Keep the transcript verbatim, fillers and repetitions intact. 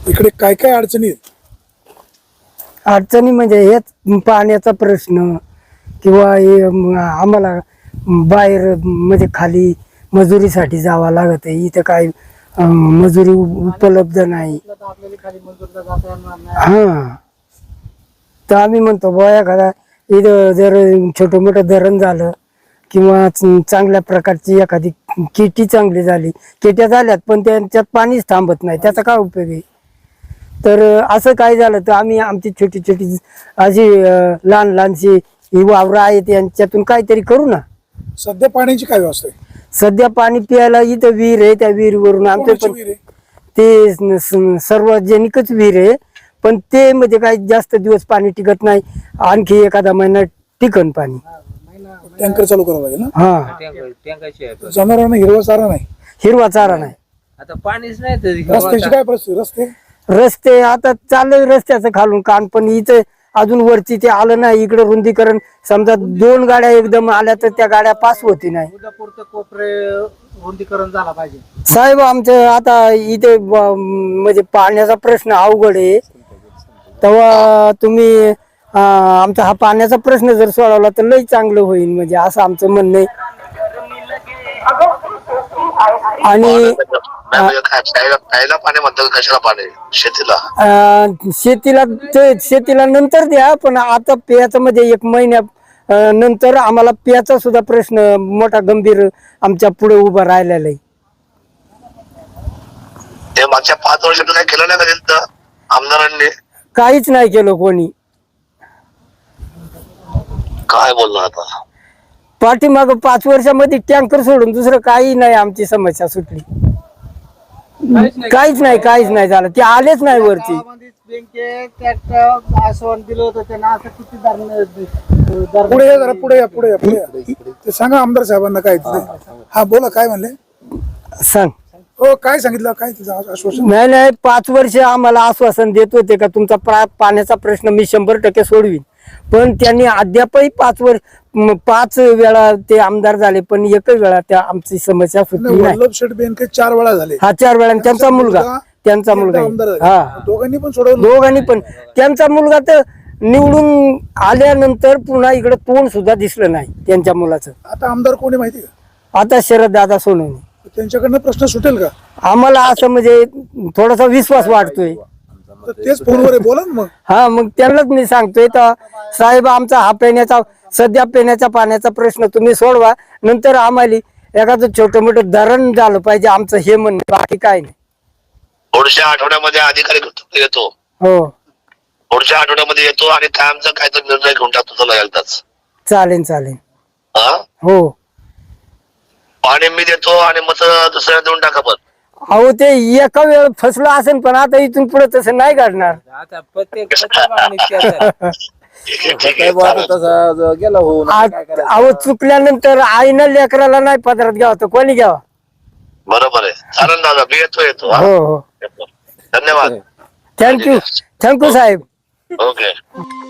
इकडे काय काय अडचणी आहेत? अडचणी म्हणजे हेच पाण्याचा प्रश्न किंवा हे म- आम्हाला बाहेर म्हणजे खाली मजुरीसाठी जावं लागत आहे. इथं काय अं, मजुरी उ- उपलब्ध नाही. हा तर आम्ही म्हणतो बुवा एखादा इथं जर छोटं मोठं धरण झालं किंवा च- चांगल्या प्रकारची एखादी केटी चांगली झाली, केट्या झाल्यात पण त्यांच्यात पाणीच थांबत नाही, त्याचा काय उपयोग आहे? तर असं काय झालं तर आम्ही आमची छोटी छोटी अशी अं, लहान लहानशी ही वावरं आहेत यांच्यातून काहीतरी करू ना. सध्या पाण्याची काय व्यवस्था आहे? सध्या पाणी प्यायला इथं विहीर आहे, त्या विहिरीवरून आमचं कोणाची पण विहीर आहे? ते स- स- सार्वजनिकच विहीर आहे, पण ते म्हणजे काही जास्त दिवस पाणी टिकत नाही. आणखी एखादा महिना टिकन पाणी. टँकर चालू करावं लागेल ना. हा टँकाची आहे. जनावरांना हिरवा चारा नाही, हिरवा चारा नाही. आता पाणीच नाही तरी रस्त्याची काय परिस्थिती? रस्ते रस्ते आता चाललंय रस्त्याचं खालून कान, पण इथं अजून वरची ते आलं नाही. इकडे रुंदीकरण समजा दोन गाड्या एकदम आल्या तर त्या गाड्या पास होती नाही. उदापूरचं कोपरे रुंदीकरण झाला पाहिजे. साहेब आमचं आता इथे ब- म्हणजे पाण्याचा प्रश्न अवघड आहे. तेव्हा तुम्ही अं, आमचा हा पाण्याचा प्रश्न जर सोडवला तर लई चांगलं होईल, म्हणजे असं आमचं म्हणणं आहे. आणि प्यायला पाणी म्हणतात, कशाला पाणी शेतीला? अं, शेतीला ते शेतीला नंतर द्या, पण आता पेयाचं म्हणजे एक महिन्या अं, नंतर आम्हाला पेयाचा सुद्धा प्रश्न मोठा गंभीर आमच्या पुढे उभा राहिलेला आहे. ते मागच्या पाच वर्षात काय केलं नाही का तिथं आमदारांनी? काहीच नाही केलं कोणी. काय बोलणार आता? पाठीमाग पाच वर्षामध्ये टँकर सोडून दुसरं काही नाही, आमची समस्या सुटली. काहीच नाही काहीच नाही झालं, ते आलेच नाही वरती. आश्वासन दिलं होतं त्यांना, असं किती धरण पुढे या, जरा पुढे या, पुढे या, पुढे या. ते सांगा आमदार साहेबांना काय तिथे. हा बोला, काय म्हणले? सांग. हो, काय सांगितलं? काय तिचं आश्वासन? नाही नाही पाच वर्ष आम्हाला आश्वासन देत होते का तुमचा प्रा- पाण्याचा प्रश्न मी शंभर टक्के सोडवीन, पण त्यांनी अद्यापही पाच वर्ष म- पाच वेळा ते आमदार झाले, पण एकच वेळा त्या आमची समस्या सुटली नाही. वल्लभ शेठ बेनके चार वेळा झाले. हा चार वेळा. त्यांचा मुलगा त्यांचा एकदा मुलगा आमदार आहे. झाले. हा दोघांनी पण सोडवलं. दोघांनी पण. त्यांचा मुलगा तर निवडून आल्यानंतर पुन्हा इकडे तोंड सुद्धा दिसलं नाही त्यांच्या मुलाचं. आता आमदार कोणी माहिती का? आता शरद दादा सोनवणे. त्यांच्याकडनं प्रश्न सुटेल का? आम्हाला असं म्हणजे थोडासा विश्वास वाटतोय. तर तेच फोनवर आहे, बोला ना मग. हा मग त्यांनाच मी सांगतोय तर साहेब आमचा हा पिण्याचा सध्या पिण्याच्या पाण्याचा प्रश्न तुम्ही सोडवा, नंतर आम्हाला एखादं छोटं मोठं धरण झालं पाहिजे, आमचं हे म्हणणं, बाकी काय नाही. पुढच्या आठवड्यामध्ये अधिकारी येतो. हो पुढच्या आठवड्यामध्ये येतो आणि कायमचा काहीतरी निर्णय घेऊन टाकतो तुला एकदाच. चालेल चालेल. हा, हो पाणी मी देतो आणि मत दुसऱ्या देऊन टाका. पण अहो ते एका वेळ फसलो असेल, पण आता इथून पुढे तसं नाही घडणार. आता प्रत्येक प्रत्येक मागणीत त्याच आहे. ठीक आहे, ठीक आहे, चालेल. तसा गेला होऊन आ- अहो चुकल्यानंतर आईनं लेकराला नाही पदरात घ्यावं तर कोणी घ्यावा? बरोबर आहे. चालेल दादा, मी येतो येतो हा. हो हो येतो. धन्यवाद. थँक्यू थँक्यू साहेब. ओके.